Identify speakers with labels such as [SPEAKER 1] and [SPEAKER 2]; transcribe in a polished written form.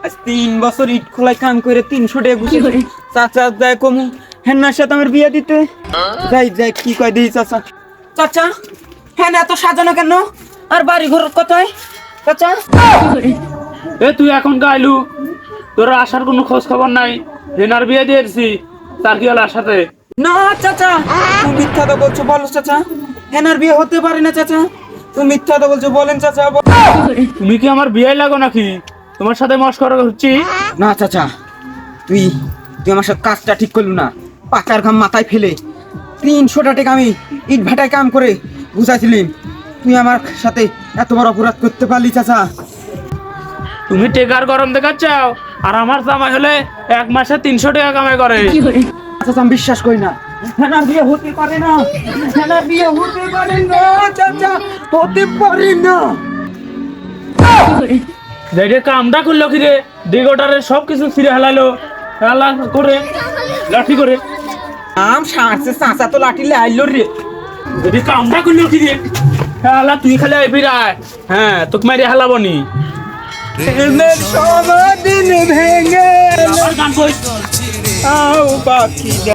[SPEAKER 1] আজ 3 বছর ইট খোলায় কাম করে 300 টাকা ঘুষি চাচা যায় কমু হেনার সাথে আমার বিয়ে দিতে যাই যাই কি কয় দিই চাচা চাচা হ্যাঁ এত সাজানো কেন আর বাড়ি ঘর কোথায় চাচা
[SPEAKER 2] এ তুই এখন গাইলু, তোর আসার কোনো খোঁজ খবর নাই। হেনার বিয়ে দিয়েছি, তার কি হলো সাথে?
[SPEAKER 1] না চাচা তুমি মিথ্যা তো বলছো, বলো চাচা হেনার বিয়ে হতে পারে না চাচা, তুমি মিথ্যা তো বলছো, বলেন চাচা।
[SPEAKER 2] তুমি কি আমার বিয়ে লাগো নাকি? তোমার সাথে মস্করা হচ্ছি?
[SPEAKER 1] না চাচা তুই তুই আমার সাথে কাজটা ঠিক করলু না, পাকার ঘাম মাথায় ফেলে 300 টাকা আমি ইট ভাটায় কাম করে বুঝাইছিলাম, তুই আমার সাথে এত বড় অপরাধ করতে পারলি চাচা।
[SPEAKER 2] তুমি টেকার গরম দেখাচ্ছাও, আর আমার জামাই হলে 1 মাসে 300 টাকা কামাই করে।
[SPEAKER 1] চাচা আমি বিশ্বাস করি না, হেনার বিয়ে হতে পারে না, হেনার বিয়ে হতে পারে না চাচা, হতে পারে না।
[SPEAKER 2] দেখে কামটা করলো কি রে, দিগোটারে সব কিছু ছিঁড়ে হেলালো, হেলা করে লাঠি করে
[SPEAKER 1] আম সারছে চাচা তো লাঠি লাইলো রে।
[SPEAKER 2] যদি কামটা করলো কি রে, হেলা তুই খালি আইবি রায়, হ্যাঁ তোকে মারি হেলাবো নি।
[SPEAKER 1] প্রেমের সমাধিন ভেঙে
[SPEAKER 2] আমার গান কই
[SPEAKER 1] আও পাখি